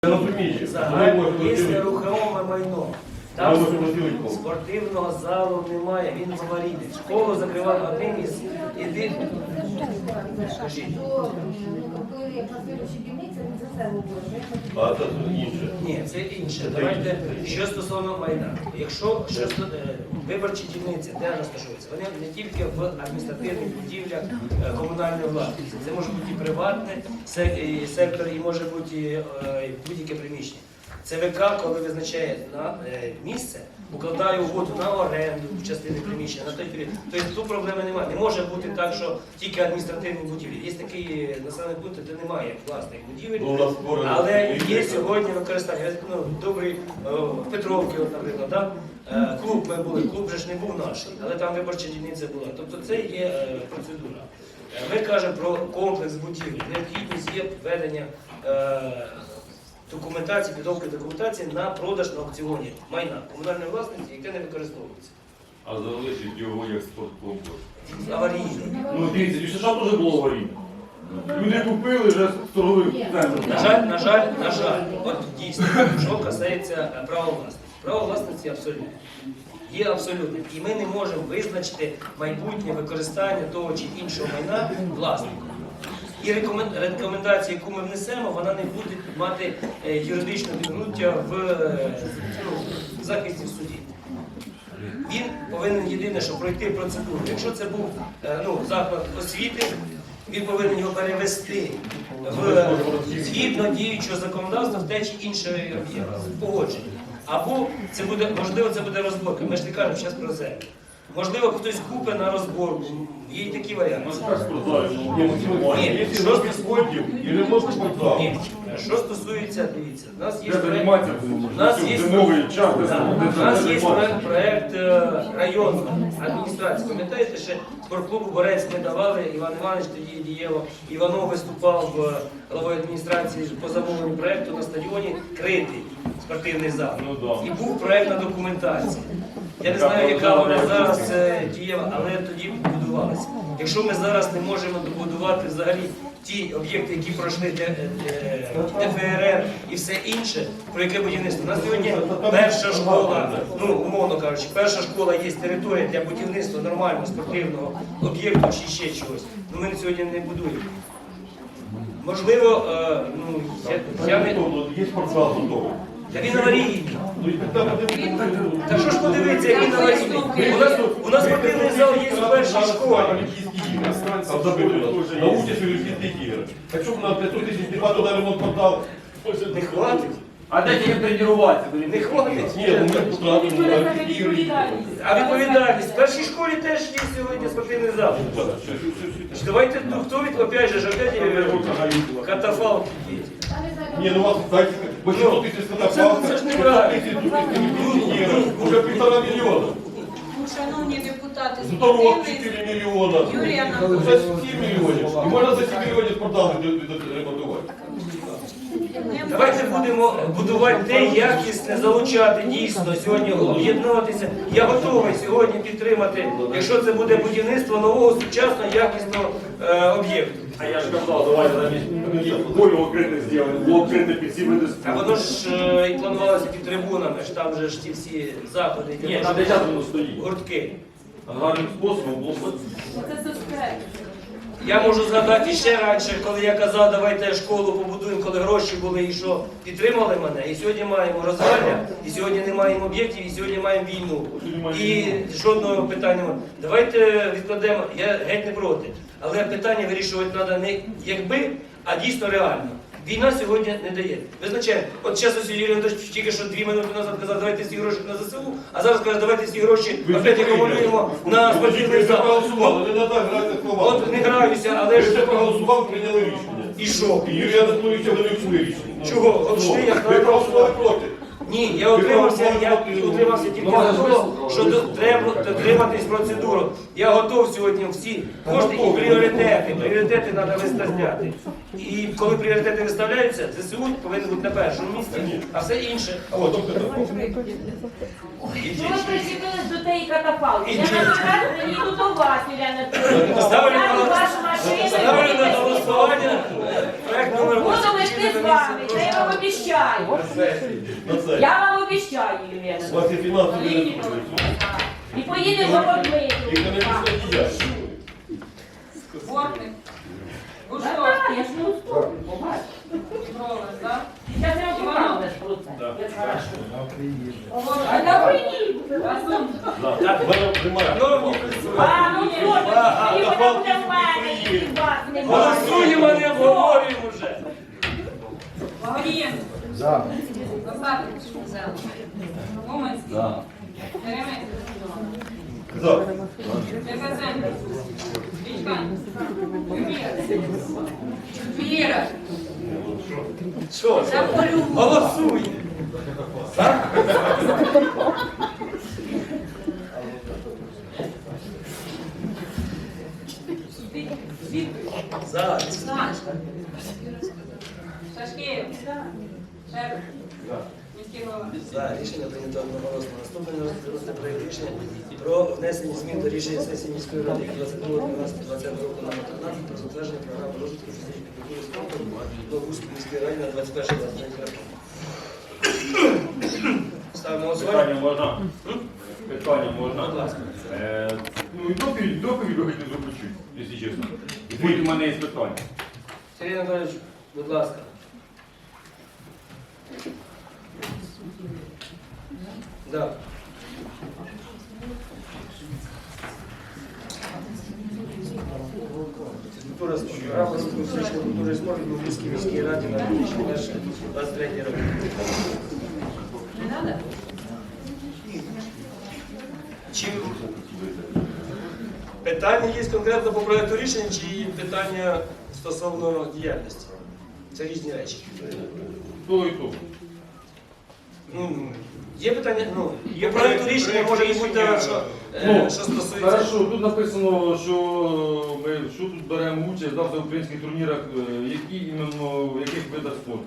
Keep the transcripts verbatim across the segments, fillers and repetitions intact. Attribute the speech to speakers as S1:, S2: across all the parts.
S1: Загальне є нерухоме майно. Там спортивного залу немає, він в аварійний. Школу закривали одним із єдиних.
S2: А це інше.
S1: Ні, це інше. Давайте, що стосовно майна. Якщо що, виборчі дільниці, де розташуються, вони не тільки в адміністративних будівлях комунальної власності. Це може бути і приватний сектор, і може бути будь-яке приміщення. ЦВК, коли визначає на місце, укладає угоду на оренду в частини приміщення, на той період. Тобто тут проблеми немає. Не може бути так, що тільки адміністративні будівлі. Є такі населені пункти, де немає власних будівель, але є сьогодні використання. Ну, добрий Петровки, от, наприклад, да? Клуб ми були, клуб же ж не був наш, але там виборча дільниця була. Тобто це є процедура. Ми кажемо про комплекс будівель. Необхідність є введення документації, підготовки документації на продаж на аукціоні майна комунальної власності, яке не використовується.
S2: А залишить його як спорткомплекс?
S1: Аварійний.
S3: Ну дивіться, і США теж було аварійне. Люди купили вже торгових центрів.
S1: На жаль, на жаль, на жаль, от дійсно, що касається права власності. Право власності абсолютно. Є абсолютним. І ми не можемо визначити майбутнє використання того чи іншого майна власником. І рекомендація, яку ми внесемо, вона не буде мати юридичне підґрунтя в ну, захисті в суді. Він повинен єдине, що пройти процедуру. Якщо це був ну, заклад освіти, він повинен його перевести в згідно діючого законодавства в те чи інше об'єкт, погодження. Або це буде, можливо, це буде розборка. Ми ж не кажемо зараз про землю. Можливо, хтось купить на розборку. Є і такі варіанти. Ні, що стосується, ні, що стосується, дивіться, у нас є проєкт, у нас є, у нас є проєкт районної адміністрації. Пам'ятаєте, що спортклубу Борець ми давали, Іван Іванович тоді дієво, Іванов виступав головою адміністрації по замовленню проєкту на стадіоні критий спортивний зал. І був проєктна документація. Я не знаю, яка вона зараз дієва, але тоді будувалася. Якщо ми зараз не можемо добудувати взагалі ті об'єкти, які пройшли ДФРР і все інше, про яке будівництво. У нас сьогодні перша школа, ну, умовно кажучи, перша школа є територія для будівництва нормального спортивного об'єкту чи ще чогось. Ну, ми сьогодні не будуємо. Можливо, ну, я, я не...
S2: Є спортзал готовий.
S1: Та він аварійний. Та що ж подивитися, як він аварійний? У нас, у нас спортивний зал є у першій школі.
S2: На участь олімпійських ігор. Якщо б на п'ятсот тисяч нема туди ремонт подав,
S1: Не хватить?
S3: А де їм тренуватися?
S1: Не хватить?
S2: ні, ну ми потрапимо на олімпійські ігри.
S1: А відповідальність? В першій школі теж є сьогодні спортивний зал. Давайте, ну хто від, опять же, опять катафалки діти.
S2: Ні, ну у вас, так, бо що тисяч катафалка,
S1: це ж неправильно.
S2: вже півтора мільйона.
S4: Шановні депутати,
S2: Здорово,
S4: спортивний
S2: чотири мільйона.
S4: Юрій
S2: Вже
S4: Анатолійович.
S2: сім мільйонів. І можна за сім мільйонів спортзали ремонтувати.
S1: Давайте будемо будувати те, якісне, залучати дійсно сьогодні, об'єднуватися. Я готовий сьогодні підтримати, якщо це буде будівництво нового, сучасного, якісного е, об'єкту.
S3: А я ж казав, давайте замість полю окрите зробимо, було окрите під всі види
S1: А воно ж е, і планувалося під трибунами, ж там же ж ті всі заходи,
S3: Ні, там де час воно стоїть.
S1: гуртки.
S3: Гарним способом було б.
S4: Це суспект.
S1: Я можу згадати ще раніше, коли я казав, давайте школу побудуємо, коли гроші були і що, підтримали мене. І сьогодні маємо розвалля, і сьогодні не маємо об'єктів, і сьогодні маємо війну. І жодного питання немає. Давайте відкладемо, я геть не проти. Але питання вирішувати треба не якби, а дійсно реально. Війна сьогодні не дає. Визначаємо, от зараз ось Юрій Анатолійович тільки що дві минути назад казав, давайте всі гроші на ЗСУ, а зараз каже, давайте всі гроші опять акумулюємо на спортивний зал.
S2: Проголосували, не треба грати слова.
S1: От не граюся, але
S2: Ви
S1: ж...
S2: все проголосували, прийняли рішення.
S1: І що?
S2: І Юрій Анатолійович довів своє рішення.
S1: Чого? От що я
S2: Ви проголосували проти.
S1: Ні, я утримався, я утримався тільки за того, що до- треба дотриматись процедуру. Я готов сьогодні всі кошти і пріоритети. Пріоритети треба виставляти. І коли пріоритети виставляються, ЗСУ повинен бути на першому місці, а все інше. От.
S4: Що ви причепились до тієї катафалки? Я наприклад, приїду до вас, Юрій Анатолійович.
S1: Ставлю
S4: Ставлю
S1: на
S4: вашу машину.
S1: ставлю на голосування проект номер
S4: Буду
S1: восемь.
S4: вести поїде з вами, це я вам обіцяю.
S2: На це.
S4: Я вам обіцяю,
S2: У
S4: Євгена.
S2: вас є фінансові ресурси.
S4: І поїде з ободмиту.
S2: Економічна діяльність.
S5: Бортник. Гушов.
S4: Так, я ж не уступлю, побачиш.
S5: Бровер, так?
S4: Зараз я вам покажу про це.
S2: Так.
S4: Як хорошо. А
S5: Говорить.
S4: да приїду.
S5: Разом.
S2: Так, вона приймає.
S1: Шановні
S4: А, ну
S1: присутні,
S4: що,
S2: а,
S4: тоді
S2: а,
S4: вона буде
S2: а,
S4: в мене, і вас не буде.
S1: голосуємо, не обговорюємо вже.
S5: Вагрієнко.
S3: За.
S5: Косатич. Уманський. Теремець.
S2: За.
S5: Деказенко. Вічкань. Віра.
S1: Що? Голосуємо. Так? За.
S5: Сашка. Шашкеєв. Шерп. Міський голова.
S1: За. Рішення прийнято одноголосно. Наступне розгляд проєкт рішення про внесення змін до рішення сесії міської ради від двадцять другого дванадцятого двадцятого року номер тринадцять про затвердження програми розвитку фізичної культури спорту Новгузької міської ради на двадцять перше двадцять третє роки. Ставимо на голосування.
S3: Питання можна? Питання можна?
S1: Будь ласка.
S3: Е, Ну і доповідь, доповідь ви хотіли зробити, якщо чесно. І потім у мене є питання.
S1: Сергій Анатолійович, будь ласка. Да. Культура спорту. Програма розвитку фізичної культури і спорту в Львівській міській раді на дві тисячі двадцять третій рік.
S5: Не треба?
S1: Чи питання є конкретно по проєкту рішення, чи питання стосовно діяльності? Це різні речі.
S3: То і то.
S1: Ну, є питання, ну, є проєкту рішення, може і бути, що, е,
S3: Ну,
S1: що стосується.
S3: Хорошо, тут написано, що ми що тут беремо участь да, в українських турнірах, е, які іменно в яких видах спорту.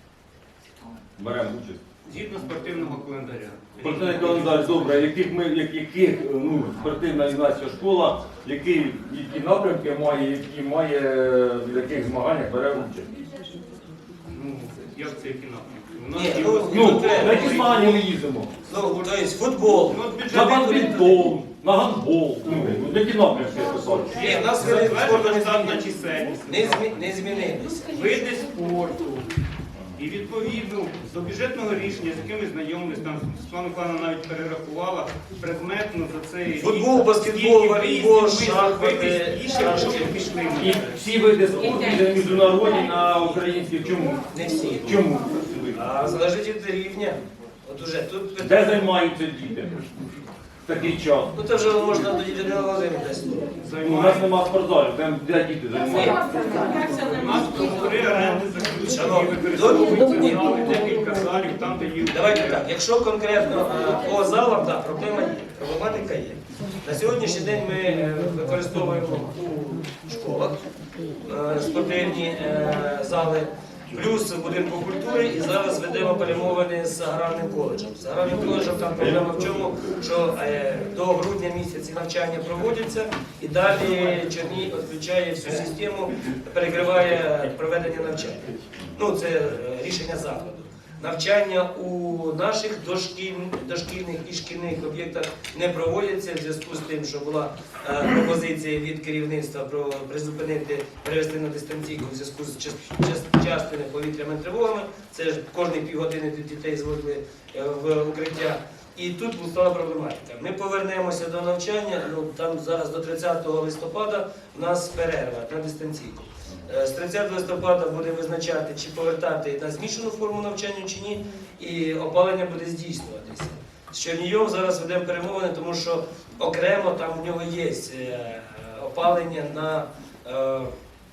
S3: Беремо участь.
S6: Згідно спортивного календаря.
S3: Спортивний календар, добре, яких ми, як- яких ну, спортивна юнацька школа, які, які напрямки має, які має, в яких змаганнях бере участь.
S6: Ну, як це які напрямки? У нас
S1: Ні,
S6: є
S1: ну,
S6: освіта.
S3: Ну,
S1: треба.
S3: на які змагання ми їздимо?
S1: Ну, тобто футбол.
S6: Ну, от
S3: На
S6: бюджетний
S3: бадмінтон, на гандбол. Ну, які напрямки писали?
S1: Ні, в нас види спорту не
S6: затверджена штатна
S1: змінилися.
S6: чисельність.
S1: Не, змі... не змінилися.
S6: Види спорту. І відповідно до бюджетного рішення, з яким ми знайомились, там Світлана Михайловна навіть перерахувала предметно за цей рік,
S1: Футбол, баскетбол,
S6: скільки
S1: волейбол,
S6: виїздів ми
S1: шахмати,
S6: зробили, і ще
S1: шашки.
S6: кошти пішли на
S3: І
S6: це.
S3: всі види спорту йде міжнародні на українських. Чому?
S1: Не всі.
S3: Чому?
S1: А залежить від рівня. От уже тут
S3: Де
S1: питання.
S3: займаються діти в такий час?
S1: Ну це вже можна до Єдиного Володимира десь.
S3: Ну, у нас нема спортзалів, там де діти займаються.
S6: У нас договори оренди заключені,
S1: Шановні,
S6: використовуються зали, декілька залів, там, де є.
S1: Давайте так, якщо конкретно е, по залам, так, проблема є, проблематика є. На сьогоднішній день ми е, використовуємо у школах е, спортивні е, зали, плюс в будинку культури, і зараз ведемо перемовини з аграрним коледжем. З аграрним коледжем там проблема в чому, що е, до грудня місяці навчання проводяться, і далі Чернігів відключає всю систему, перекриває проведення навчання. Ну, це е, рішення закладу. Навчання у наших дошкільних, дошкільних і шкільних об'єктах не проводяться в зв'язку з тим, що була е, пропозиція від керівництва про призупинити, перевести на дистанційку в зв'язку з час- час- частими повітряними тривогами. Це ж кожні півгодини дітей зводили е, в укриття. І тут стала проблематика. Ми повернемося до навчання, ну там зараз до тридцятого листопада у нас перерва на дистанційку. Е, З тридцятого листопада буде визначати, чи повертати на змішану форму навчання чи ні, і опалення буде здійснюватися. З Чернігівом зараз ведемо перемовини, тому що окремо там у нього є е, опалення на е,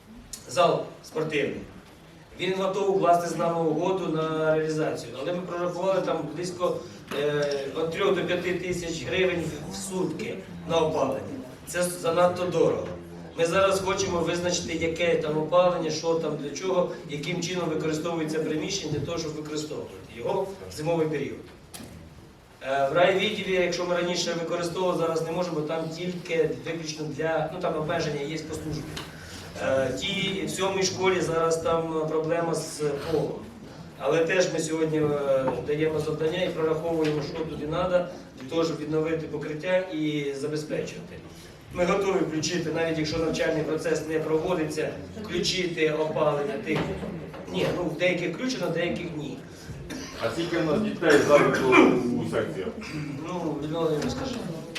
S1: зал спортивний. Він готовий укласти з нами угоду на реалізацію, але ми прорахували там близько е, від трьох до п'яти тисяч гривень в сутки на опалення. Це занадто дорого. Ми зараз хочемо визначити, яке там опалення, що там, для чого, яким чином використовується приміщення для того, щоб використовувати його в зимовий період. Е, В райвідділі, якщо ми раніше використовували, зараз не можемо, там тільки виключно для, ну там обмеження є по службі. Е, Ті в сьомій школі зараз там проблема з полом. Але теж ми сьогодні е, даємо завдання і прораховуємо, що туди треба, для того, щоб відновити покриття і забезпечувати. Ми готові включити, навіть якщо навчальний процес не проводиться, включити опалення тих. Ні, ну в деяких включено, в деяких ні.
S3: А скільки в нас дітей зараз у секціях?
S1: Ну, Людмила, не скажи.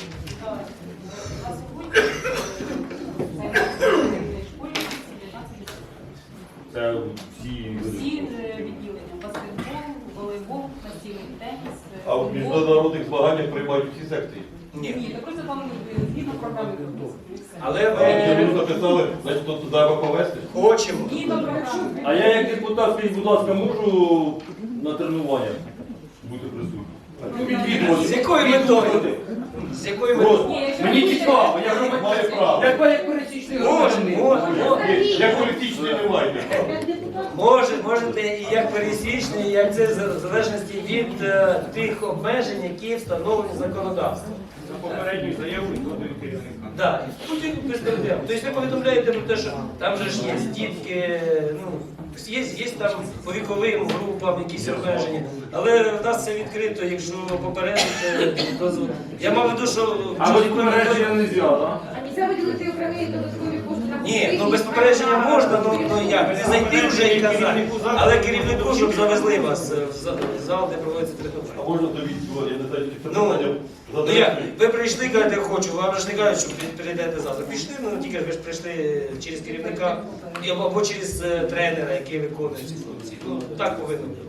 S4: На сьогодні займаються в школі дев'ятнадцять.
S3: Це всі
S4: Всі е, відділення: баскетбол, волейбол, настільний теніс, е,
S2: А в
S4: футбол.
S2: міжнародних змаганнях приймають всі секції.
S1: Ні.
S4: Ні, так просто там е, згідно програми.
S1: Але
S2: А якщо
S1: ми
S2: ви записали, значить тут треба повести.
S1: хочемо.
S4: Згідно програми.
S3: А я як депутат, скажіть, будь ласка, можу на тренуваннях бути присутнім? Відвідувати.
S1: З якою метою? З якою метою?
S3: Просто.
S4: Ні, якщо
S3: Мені
S4: ви
S3: цікаво,
S4: будете-
S3: я громадянин.
S2: Має право.
S3: Як ви як пересічний
S1: Може,
S3: громадянин.
S1: може, може.
S2: Як політичний не маєте права.
S1: Може, можете і як пересічний, як це в залежності від е, тих обмежень, які встановлені законодавством.
S6: За попередню заяву і згодою керівника.
S1: Так, потім безпредельно. Тобто ви повідомляєте про те, що там же ж є дітки, ну, є, є там по віковим групам якісь обмеження, але в нас це відкрито, якщо попередити, дозволити. Я мав в виду, що
S3: А без попередження не можна, так?
S7: А нельзя виділити окремі додаткові кошти на
S1: ні, ну без попередження можна, ну, ну як, не зайти вже і казати. Але керівнику, щоб завезли вас в за- в зал, де проводиться
S2: А
S1: тренування.
S2: можна довідки, я не знаю, чи це
S1: Ну,
S2: питання
S1: Ну як, ви прийшли, кажете, хочу, вам же ж не кажуть, що при- прийдете завтра. Пішли, ну тільки ви ж прийшли через керівника і- або через е, тренера, який виконує ці функції. Ну так повинно бути.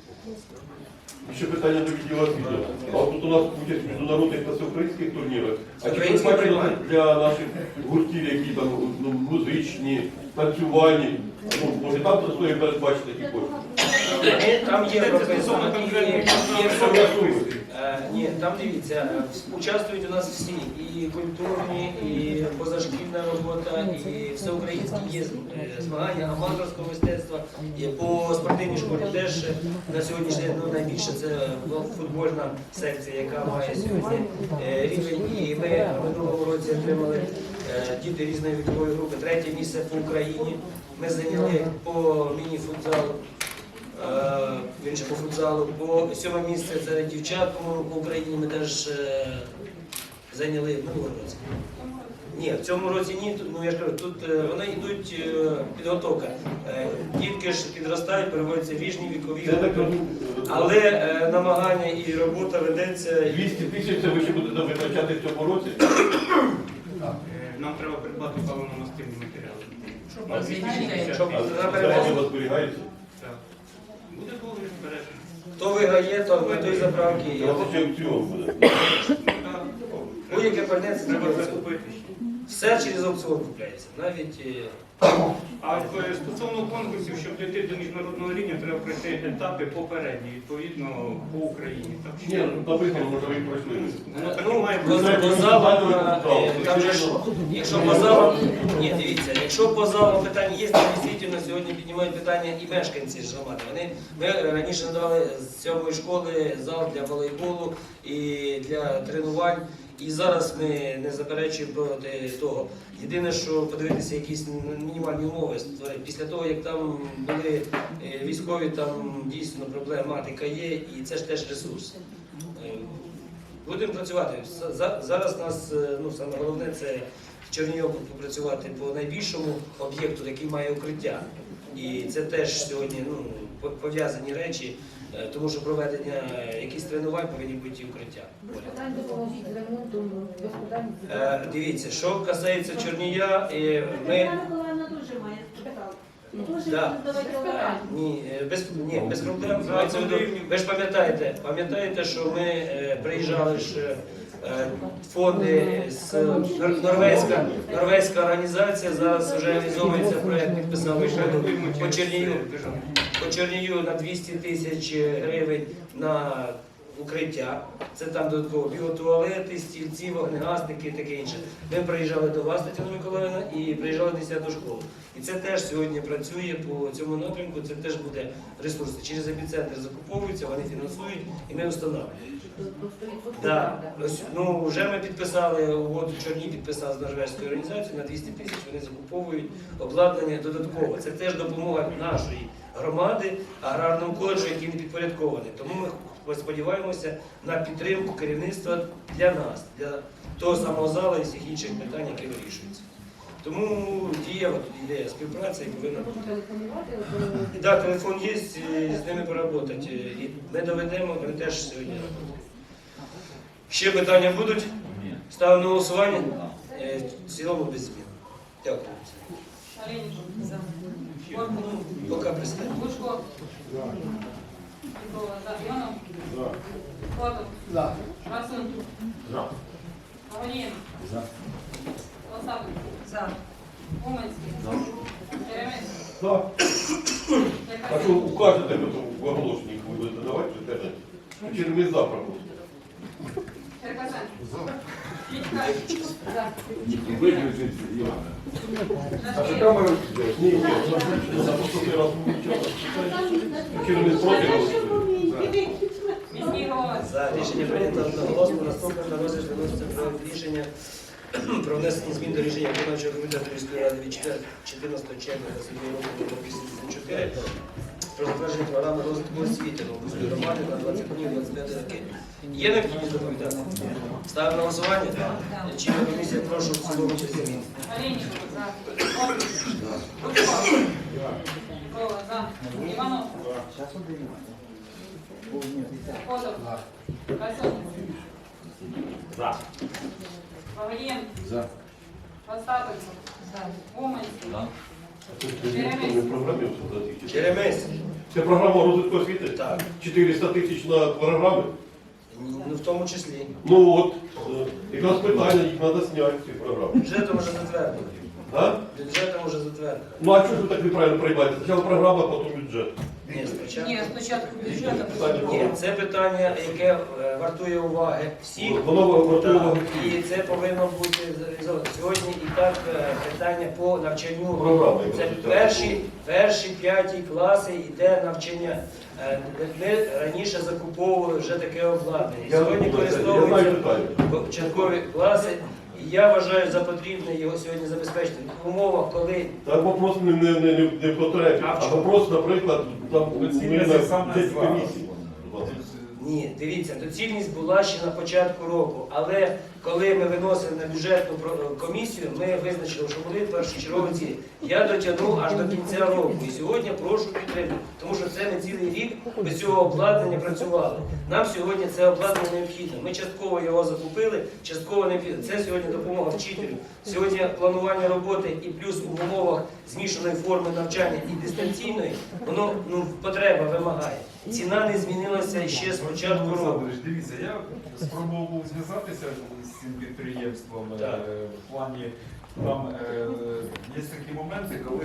S2: Ще питання до відділу освіти. А от тут у нас участь в міжнародних та всеукраїнських турнірах. А чи
S1: Українські
S2: ви бачили
S1: приймають.
S2: для наших гуртів, які там ну, музичні, танцювальні, ну, може там за собою передбачити такі кошти?
S1: Ми- Там є прописано, і є, є все.
S2: Согласуєте?
S1: Е, Ні, там дивіться, е, участвують у нас всі, і культурні, і позашкільна робота, і всеукраїнські є е, змагання аматорського мистецтва. І по спортивній школі теж е, на сьогоднішній день ну, найбільше це футбольна секція, яка має сьогодні е, рівень. І ми в минулому році отримали е, діти різної вікової групи. Третє місце по Україні. Ми зайняли по міні-футзалу. Е, Більше по футзалу. По сьоме місце серед дівчат, по-моєму, по Україні ми теж е, зайняли в минулому році. Ні, в цьому році ні. Тут, ну я ж кажу, тут е, вони йдуть е, підготовка. Е, дітки ж підростають, переводяться в ріжні вікові
S2: Це так
S1: групи.
S2: розумію.
S1: Але е, намагання і робота ведеться.
S2: двісті тисяч це ви ще будете витрачати в цьому році?
S6: Е, Нам треба придбати паливно-мастильні матеріали. На
S1: Щоб
S6: двісті шістдесят
S1: щоб
S6: тисяч.
S1: на
S2: Це
S1: перевозку.
S2: у вас зберігається?
S6: Так. Буде договір збережений.
S1: Хто виграє, то на той заправки.
S2: Це у вас ще аукціон буде.
S6: Так.
S1: Будь-яке пальне це
S6: Треба
S1: треба.
S6: закупити.
S1: Все через аукціон купляється. Навіть е,
S6: А е, стосовно конкурсів, щоб дійти до міжнародного рівня, треба пройти етапи попередні, відповідно, по Україні. Так що
S2: Ні, ну написано, може ви пройшли.
S6: воно так і
S1: Ну,
S6: має
S1: по,
S6: бути.
S1: по залам, е, там же ж, якщо по залам, ні, дивіться, якщо по залам питань є, то дійсно сьогодні піднімають питання і мешканці ж громади. Вони, ми раніше надавали з сьомої школи зал для волейболу і для тренувань. І зараз ми не заперечуємо проти того. Єдине, що подивитися якісь мінімальні умови створити. Після того, як там були е, військові, там дійсно проблематика є, і це ж теж ресурс. Е, Будемо працювати. За- Зараз нас е, ну, саме головне це в Чернігові попрацювати по найбільшому об'єкту, який має укриття. І це теж сьогодні ну, по- пов'язані речі, е, тому що проведення е, якихось тренувань повинні бути і укриття.
S7: Без питань допоможіть з ремонтом, без питань.
S1: Е, Дивіться, що касається Чорнія, е, ми
S7: Тетяна Миколаївна дуже має спитала. Дуже
S1: Да.
S7: давайте
S1: Е,
S7: питання.
S1: Ні, е, без, ні, без проблем. Мається в виду, ви ж пам'ятаєте, пам'ятаєте, що ми е, приїжджали ж е, фонди з Нор- норвезька, норвезька організація, зараз вже реалізовується проєкт, підписали угоду по Чернію, по Чернію на двісті тисяч гривень на укриття, це там додатково біотуалети, стільці, вогнегасники і таке інше. Ми приїжджали до вас, Тетяна Миколаївна, і приїжджали в десяту школу. І це теж сьогодні працює по цьому напрямку, це теж буде ресурси. Через епіцентр закуповуються, вони фінансують і ми встановлюємо. Да. Ось, ну, вже ми підписали угоду, Чорні підписали з Норвезькою організацією, на двісті тисяч вони закуповують обладнання додатково. Це теж допомога нашої громади, аграрному коледжу, який не підпорядкований. Тому ми сподіваємося на підтримку керівництва для нас, для того самого залу і всіх інших питань, які вирішуються. Тому дієва тут ідея співпраці і повинна бути.
S7: Можна телефонувати, то-
S1: Так, телефон є, з ними поработати. І ми доведемо, вони теж сьогодні роботи. Ще питання будуть? Ставимо на голосування? Е, В цілому без змін. Дякую.
S5: Олейников.
S1: Ну, поки пристань.
S5: Бушко. Петрова. За. Ионов. Котов. Красун. Павлин. Лосапин. За. Уманский. Черемис.
S2: Так. А що
S5: Черкасин.
S2: укажете в оголошенні, ви будете давати в інтернеті? Через ми завтра просто.
S5: Черкасин. Витька.
S3: Виключить Івана. А що
S5: Жашкевич.
S3: камеру?
S2: Ні, ні, за поступний раз вивчали. Через ми проти голосуємо.
S5: Міський голова.
S1: За рішення прийнято одноголосно. Наступне на розгляд виноситься проект рішення про внесення змін до рішення виконавчого комітету міської ради від чотирнадцятого червня двадцять року номер вісімдесят чотири про затвердження програми розвитку освіти Новопольської громади на двадцять двадцять п'ять роки. Є необхідність доповідати? Ставимо на голосування? Чинна комісія, прошу в цілому без змін.
S5: Олейников. За. Котов. Бушко. Петрова. За. Иванов. Котов. Красун.
S3: За.
S5: Павлин.
S3: За.
S5: Остапов. За. Уманский.
S2: Ми програмі все
S1: Черемис.
S2: Це програма розвитку освіти?
S1: Так.
S2: чотириста тисяч на програми?
S1: Ну, в тому числі.
S2: Ну от, е, якраз питання, їх треба зняти, ці програми.
S1: Бюджетом вже затвердили.
S2: А?
S1: Бюджетом вже затвердили.
S2: Ну а чого ж ви так неправильно приймаєте? Спочатку програма, потім бюджет.
S1: Ні, спочатку.
S5: Ні, спочатку бюджету.
S2: Питання
S1: Ні,
S2: було.
S1: це питання, яке е, вартує уваги всіх.
S2: Воно вартує
S1: Так,
S2: уваги.
S1: І це повинно бути зреалізовано. Сьогодні і так е, питання по навчанню.
S2: Програма, яка
S1: Це
S2: звучала.
S1: перші, перші п'яті класи йде навчання. Е, Ми раніше закуповували вже таке обладнання.
S2: Я
S1: Сьогодні
S2: знаю, я знаю
S1: користовуються
S2: деталі.
S1: початкові класи. І я вважаю за потрібне його сьогодні забезпечити в умовах, коли
S2: Так вопрос не, не, не, не, не потребі,
S1: А в
S2: а
S1: чому?
S2: вопрос, наприклад, там ми
S3: Доцільність
S2: на
S3: сам
S2: цій
S3: назвав.
S2: комісії.
S1: ні, дивіться, доцільність була ще на початку року, але коли ми виносили на бюджетну про- комісію, ми визначили, що були першочергові цілі. Я дотягнув аж до кінця року. І сьогодні прошу підтримати, тому що це ми цілий рік без цього обладнання працювали. Нам сьогодні це обладнання необхідне. Ми частково його закупили, частково необхідно. Це сьогодні допомога вчителю. Сьогодні планування роботи і плюс в умовах змішаної форми навчання і дистанційної, воно ну, потреба вимагає. Ціна не змінилася ще з початку року.
S8: Олександрович, дивіться, я спробував був зв'язатися з цим підприємством е,
S1: Так.
S8: в плані, там е, є такі моменти, коли,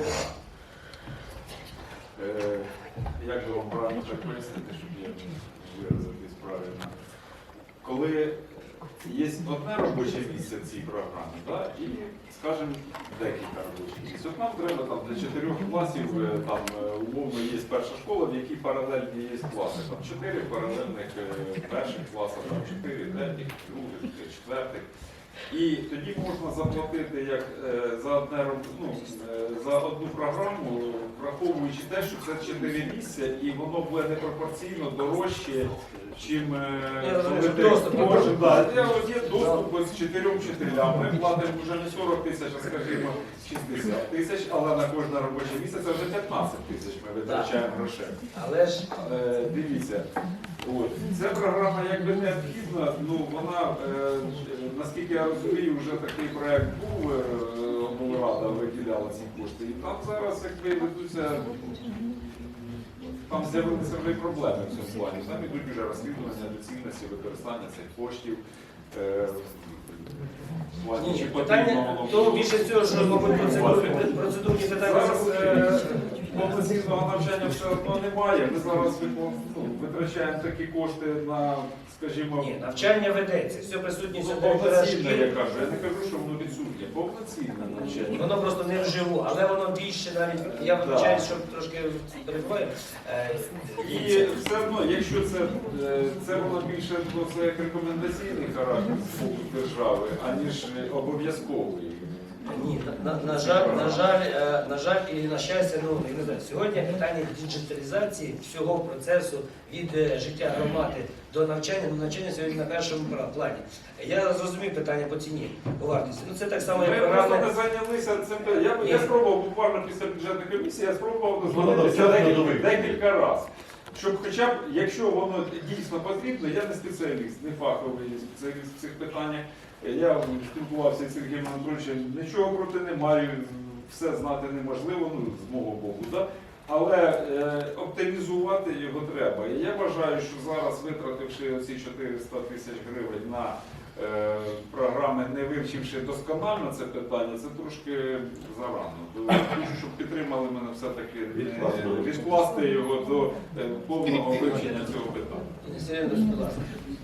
S8: е, як би вам правильно так пояснити, щоб я виразитись правильно, коли є одне робоче місце в цій програмі, да, і, скажімо, декілька робочих місць. От нам треба там для чотирьох класів, е, там е, умовно є перша школа, в якій паралельні є класи. Там чотири паралельних е, перших класів, там чотири третіх, других, четвертих. І тоді можна заплатити як е, за одне роб- ну, е, за одну програму, враховуючи те, що це чотири місця, і воно буде непропорційно дорожче, чим е,
S1: Я розумію,
S8: коли
S1: що
S8: ти
S1: доступ
S8: можеш.
S1: є.
S8: Да, є, от є доступ ось чотирьом вчителям. Ми платимо вже не сорок тисяч, а скажімо шістдесят тисяч, але на кожне робоче місце це вже п'ятнадцять тисяч ми витрачаємо грошей.
S1: Але ж
S8: Е, Дивіться, от. Ця програма якби необхідна, ну вона, е, наскільки я розумію, вже такий проект був, е, облрада виділяла ці кошти. І там зараз якби ведуться, там з'явилися вже й проблеми в цьому плані. Там ідуть вже розслідування доцільності використання цих коштів. Е, в плані,
S1: ні,
S8: чи потрібно
S1: питання
S8: воно
S1: того більше цього, що, мабуть, процедурні, процедурні питання
S8: Зараз,
S1: е,
S8: повноцінного навчання все одно немає. Ми зараз викон- ну, витрачаємо такі кошти на, скажімо,
S1: Ні, навчання ведеться, все присутність
S8: ну,
S1: директора
S8: повноцінне,
S1: шкіл.
S8: я кажу. Я не кажу, що воно відсутнє. Повноцінне навчання.
S1: Воно просто не вживу, але воно більше навіть, я вибачаюсь, що трошки перебуваю. Е,
S8: І все одно, якщо це, е, це воно більше ну, це як рекомендаційний характер з боку держави, аніж е, обов'язковий.
S1: Ні, на, на, на жаль, на жаль, е, на жаль, і на щастя, ну я не знаю, сьогодні питання діджиталізації всього процесу від е, життя громади до навчання, ну навчання сьогодні на першому пла- плані. Я зрозумів питання по ціні, по вартості. Ну це так само,
S8: Ми
S1: як
S8: просто
S1: програми.
S8: не зайнялися цим. Я, я спробував буквально після бюджетної комісії, я спробував
S2: Ну,
S8: дозвонитися
S2: ну,
S8: декілька,
S2: ну,
S8: декілька разів. Щоб хоча б, якщо воно дійсно потрібно, я не спеціаліст, не фаховий спеціаліст в цих питаннях. Я спілкувався з Сергієм Анатольовичем, нічого проти не маю, все знати неможливо, ну, з мого боку, да? Але е, оптимізувати його треба. І я вважаю, що зараз, витративши оці чотириста тисяч гривень на е, програми, не вивчивши досконально це питання, це трошки зарано. То хочу, щоб підтримали мене все-таки е, відкласти його до е, повного вивчення цього питання.
S1: Сергій, будь ласка.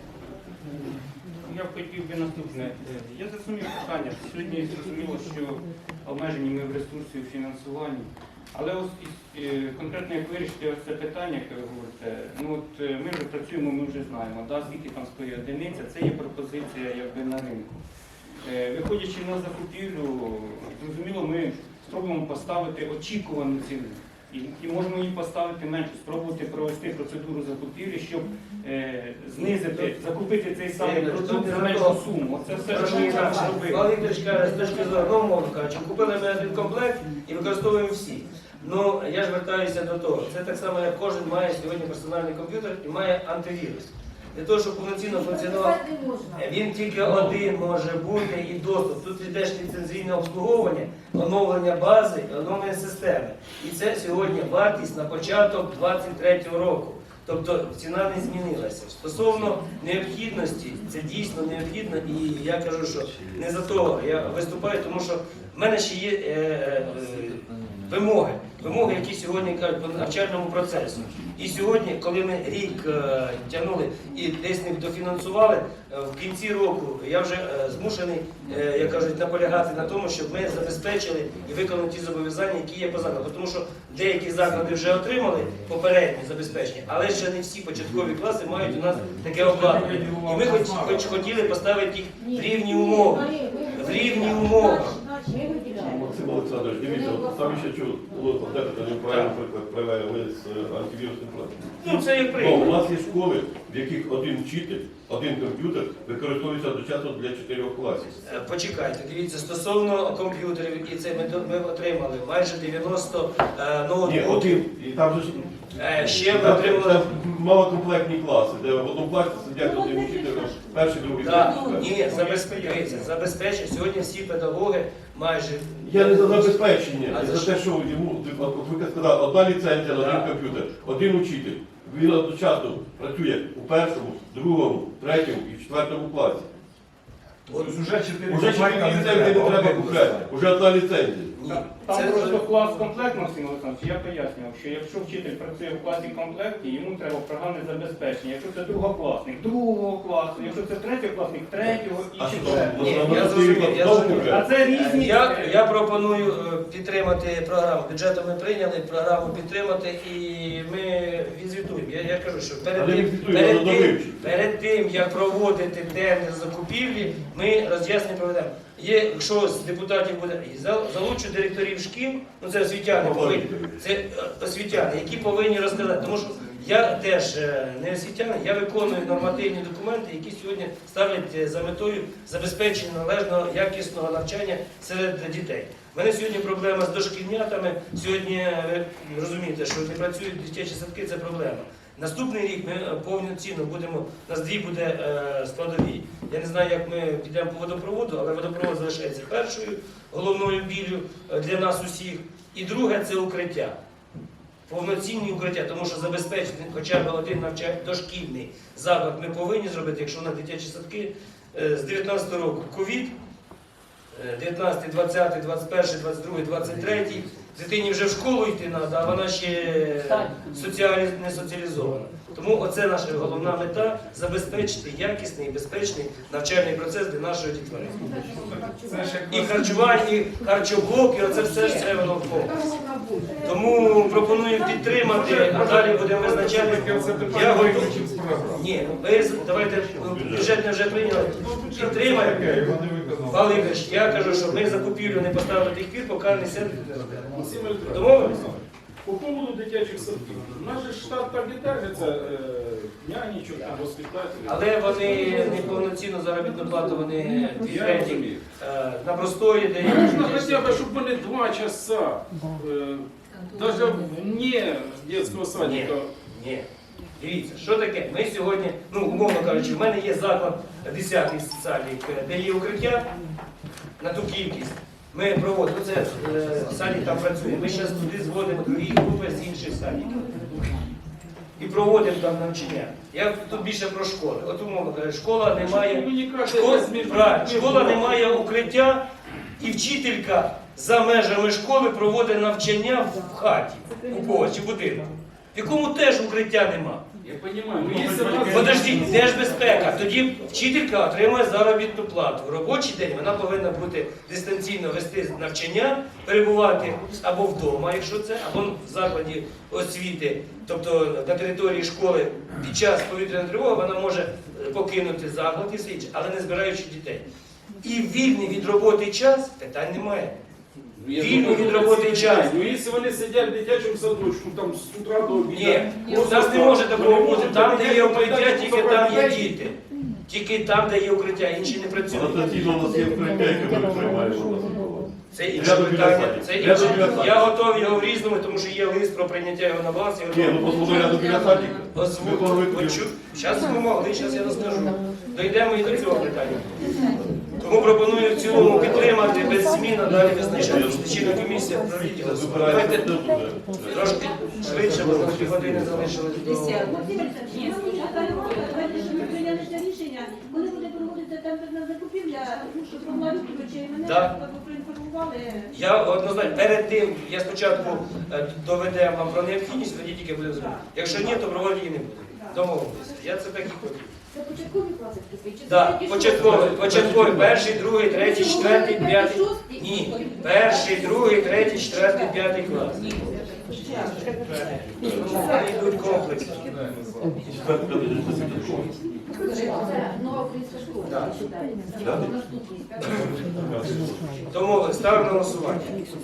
S6: Я б хотів би наступне. Я зрозумів питання. Сьогодні зрозуміло, що обмежені ми в ресурсі у фінансуванні. Але ось е, конкретно як вирішити ось це питання, яке ви говорите, ну от е, ми вже працюємо, ми вже знаємо, да, скільки там стоїть одиниця, це є пропозиція якби на ринку. Е, Виходячи на закупівлю, зрозуміло, ми спробуємо поставити очікувану ціну. І, і можемо її поставити менше, спробувати провести процедуру закупівлі, щоб е, знизити, закупити цей самий продукт за меншу суму. Оце все, що ми зараз робимо.
S1: Павло Вікторович каже, з точки зору, ну, мовно кажучи, купили ми один комплект і використовуємо всі. Ну, я ж вертаюся до того. Це так само, як кожен має сьогодні персональний комп'ютер і має антивірус. Для того, щоб повноцінно функціонував, він тільки один може бути і доступ. Тут йде ж ліцензійне обслуговування, оновлення бази, оновлення системи. І це сьогодні вартість на початок двадцять третього року. Тобто ціна не змінилася. Стосовно необхідності, це дійсно необхідно, і я кажу, що не за того я виступаю, тому що в мене ще є е, е, вимоги, вимоги, які сьогодні кажуть по навчальному процесу. І сьогодні, коли ми рік е, тягнули і десь не дофінансували, е, в кінці року я вже е, змушений, е, як кажуть, наполягати на тому, щоб ми забезпечили і виконали ті зобов'язання, які є по закладу. Тому що деякі заклади вже отримали попереднє забезпечення, але ще не всі початкові класи мають у нас таке обладнання. І ми хоч, хоч хотіли поставити їх в рівні умови. В рівні умови.
S2: Максим Олександрович, дивіться, от там ще чув, було подекуди неправильно, наприклад, привели з е, антивірусним програмом.
S1: Ну, це як
S2: Ну, у
S1: прийде.
S2: нас є школи, в яких один вчитель, один комп'ютер використовується одночасно для чотирьох класів.
S1: Е, Почекайте, дивіться, стосовно комп'ютерів, і це ми, до- ми отримали майже дев'яносто е,
S2: Ні,
S1: ноутбуків.
S2: один, і там же ж
S1: Е, Ще ми
S2: там,
S1: отримали.
S2: це малокомплектні класи, де в одному класі сидять один вчитель, перший, другий,
S1: Да,
S2: третій.
S1: ні, забезпечується, забезпечує. Сьогодні всі педагоги майже.
S2: Я не за забезпечення,
S1: А
S2: а
S1: за
S2: за
S1: що?
S2: те, що йому, от ви сказали, одна ліцензія на
S1: Да.
S2: один комп'ютер, один учитель. Він одночасно працює у першому, другому, третьому і в четвертому класі.
S1: От,
S2: Уже чотири ліцензії не треба купляти, уже одна ліцензія.
S1: ні,
S6: Там
S1: це
S6: просто клас комплект, Максим Олександрович, я пояснював, що якщо вчитель працює в класі комплекті, йому треба програмне забезпечення. Якщо це другокласник, другого класу, якщо це третьокласник, третього і
S2: А що,
S6: четвертого.
S1: Ні,
S2: можна
S1: я
S2: на
S1: зрозумів,
S2: чотири
S1: я
S2: класи
S1: зрозумів.
S6: А
S2: купляти?
S6: це різні.
S1: Я, я пропоную е, підтримати програму. Бюджетом ми прийняли, програму підтримати і ми відзвітуємо. Я, я кажу, що перед
S2: Але
S1: тим,
S2: відзвітуємо,
S1: перед,
S2: воно
S1: тим,
S2: вивчить.
S1: перед тим, як проводити тендер закупівлі, ми роз'яснення проведемо. Є, якщо з депутатів буде, і зал- залучу директорів шкіл, ну це освітяни повинні, це е, освітяни, які повинні розказати. Тому що я теж е, не освітянин, я виконую нормативні документи, які сьогодні ставлять е, за метою забезпечення належного якісного навчання серед дітей. У мене сьогодні проблема з дошкільнятами. Сьогодні е, ви розумієте, що не працюють дитячі садки, це проблема. Наступний рік ми е, повноцінно будемо, у нас дві буде е, складові. Я не знаю, як ми підемо по водопроводу, але водопровод залишається першою головною біллю е, для нас усіх. І друге це укриття. Повноцінні укриття, тому що забезпечити хоча б один навчальний дошкільний заклад ми повинні зробити, якщо на дитячі садки е, з дев'ятнадцятого року ковід, дев'ятнадцятий, двадцятий, двадцять перший, двадцять другий, двадцять третій, Дитині вже в школу йти треба, а вона ще соціалі... не соціалізована. Тому оце наша головна мета – забезпечити якісний і безпечний навчальний процес для нашої дітвори. І харчування, і харчоблоки, оце все ж це воно в комплексі. Тому пропоную підтримати, а далі будемо визначати. Я готовий. Ні, ви давайте бюджет не вже прийняли. Підтримаємо. Павло Ігорович, я кажу, що ми закупівлю не поставили до тих пір, поки не сядуть не розберемо. Домовились?
S9: По поводу дитячих садків. У нас же штат так і держиться, е, нянечок, там, воспитателів.
S1: Але вони неповноцінну заробітну плату вони підтримують на простої, де
S9: Ну, нужно хотя бы, чтобы были два часа, э, даже вне детского
S1: Ні,
S9: садика.
S1: ні. Дивіться, що таке? Ми сьогодні, ну, умовно кажучи, в мене є заклад десятий садик, де є укриття на ту кількість. Ми проводимо, це е, садик там працює. Ми зараз туди зводимо другі групи з інших садиків. І проводимо там навчання. Я тут більше про школи. От умовно кажучи, школа не має,
S9: Ну, никак
S1: школа,
S9: это между-
S1: правильно,
S9: между-
S1: школа не має укриття, і вчителька за межами школи проводить навчання в хаті, у когось, чи в будинку, в якому теж укриття нема.
S9: Я понимаю, но если раз-
S1: Подождіть, де ж безпека? Тоді вчителька отримує заробітну плату. В робочий день вона повинна бути дистанційно вести навчання, перебувати або вдома, якщо це, або в закладі освіти, тобто на території школи під час повітряної тривоги вона може покинути заклад і все інше, але не збираючи дітей. І вільний від роботи час питань немає.
S9: Ну, я
S1: Вільний
S9: думаю,
S1: від роботи
S9: вони
S1: час.
S9: сидять. Ну, якщо вони сидять в дитячому садочку, там з утра до обіду.
S1: Ні, у
S9: просто
S1: нас не може
S9: так,
S1: такого
S9: вони
S1: бути.
S9: можуть
S1: Там, де є
S9: дитячому
S1: укриття,
S9: майданчику
S1: тільки там є
S9: забрати
S1: діти. Тільки там, де є укриття, інші не працюють.
S2: Анастасійно, у нас є укриття, яке ми приймаємо.
S1: Це інше
S2: Рядом
S1: питання.
S2: біля
S1: Це
S2: садика.
S1: інше.
S2: Рядом біля садика.
S1: Я готовий його в різному, тому що є лист про прийняття його на баланс.
S2: Ні, ну послухай, рядом біля садика.
S1: Озвучу. Зараз ми могли, зараз я розкажу. Дійдемо і до цього питання. Тому пропоную в цілому підтримати без змін, а далі визначати. Лічильна комісія провідділа. Давайте трошки швидше, бо на півгодини залишилось до...
S7: Давайте, щоб ми прийняли це рішення, коли буде проводитися тендерна закупівля, ну, щоб Павлович і мене
S1: Да.
S7: проінформували.
S1: Я однозначно, перед тим, я спочатку е, доведемо вам про необхідність, тоді тільки будемо зробити. Якщо ні, то проводити її не буде. Домовилися. Я це так і хотів.
S7: Це початкові класи чи
S1: Так,
S7: це
S1: початковий, початковий, перший, другий, третій, четвертий, п'ятий. Ні, перший, другий, третій, четвертий, п'ятий клас. Ну, Вони йдуть комплексно.
S7: Це нова українська школа.
S1: Так.
S2: Да?
S1: Тому ставимо на голосування.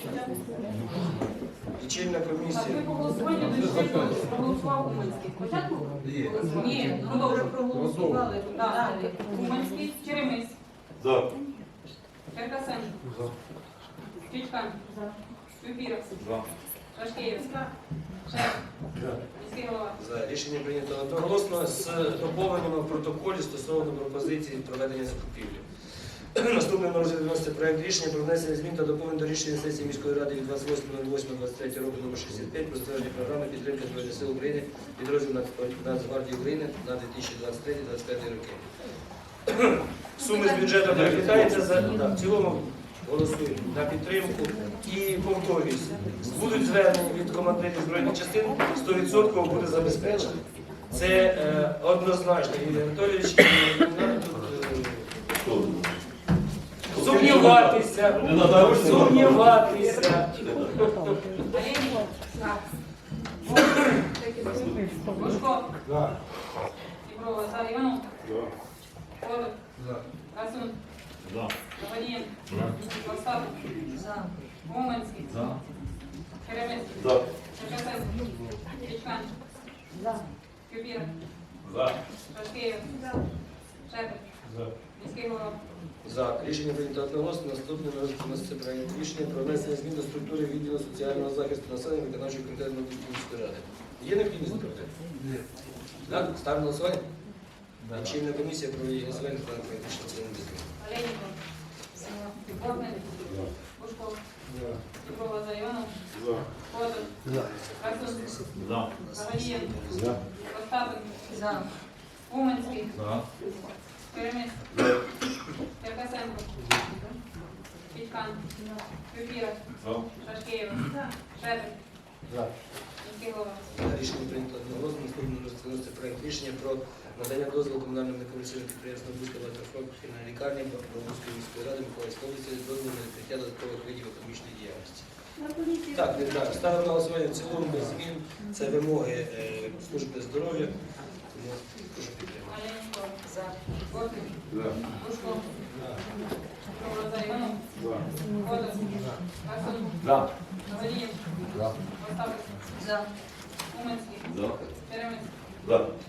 S1: Лічильна комісія.
S5: Так, ви по голосуванню дійшли, проголосував Уманський. Спочатку? Ні, ну добре, проголосували. Так, Уманський, Черемис,
S2: За.
S5: Черкасенко, Чичкан, Юпіров, Шашкеєв, Шеф, міський голова.
S1: За рішення прийнято одноголосно з доповненням в протоколі стосовно пропозиції проведення закупівлі. Наступним на розгляд вноситься проект рішення про внесення змін та доповнень до рішення сесії міської ради від двадцять восьмого восьмого двадцять третього року номер шістдесят п'ять про затвердження програми підтримки Збройних сил України підрозділ Нацгвардії України на дві тисячі двадцять третій - двадцять п'ятий роки. Суми з бюджету перекликаються за да, в цілому голосуємо на підтримку і повторююсь. Будуть звернення від командирів збройних частин, сто відсотків буде забезпечено. Це е, однозначно, Юрій Анатолійович, і не треба тут е, сумніватися,
S2: Не надо ручки.
S1: сумніватися.
S5: Олейник. Бушко. Єврова, за. Іванов. Федор. Красун. Гаванієн. Остапов. Уманський. Черемис.
S2: За.
S5: Черкасенко. Чичкан. Юпіров. Шашкеєв. Шеф. Міський голова.
S1: За. Рішення прийнято одноголосно. Наступне вноситься проект рішення про внесення змін до структури відділу соціального захисту населення виконавчого комітету міської ради. Є необхідність проти? Так, ставимо на голосування? Лічильна комісія про її голосування та проект рішення це не дозволить.
S5: Олейников. Бортник. Бушко. Єврова, за. Іванов. Федор. Красун. Гаванієн. Остапов. Уманський. Черемис. Черкасенко. Федькан, Фефіров, Шашкеєва, Шепель, міський голова.
S1: Рішення прийнято одноголосно. Наступним розглянути проект рішення про надання дозволу комунальному некомерційному підприємству Бузька багатопрофільна лікарня Бузької міської ради Миколаївської області дозволу на відкриття додаткових видів економічної діяльності.
S7: На поліції.
S1: Так, не так. Ставимо на голосування в цілому без змін. Це вимоги е, служби здоров'я. Тому прошу підтримати.
S5: Оленського, за. Бортник,
S3: За.
S5: Бушко, Провоза Іванов,
S3: За.
S5: Федор, Василь,
S3: За.
S5: Валієв,
S3: За.
S5: Остапик, за. Уманський,
S3: За.
S5: Черемис,
S2: Да.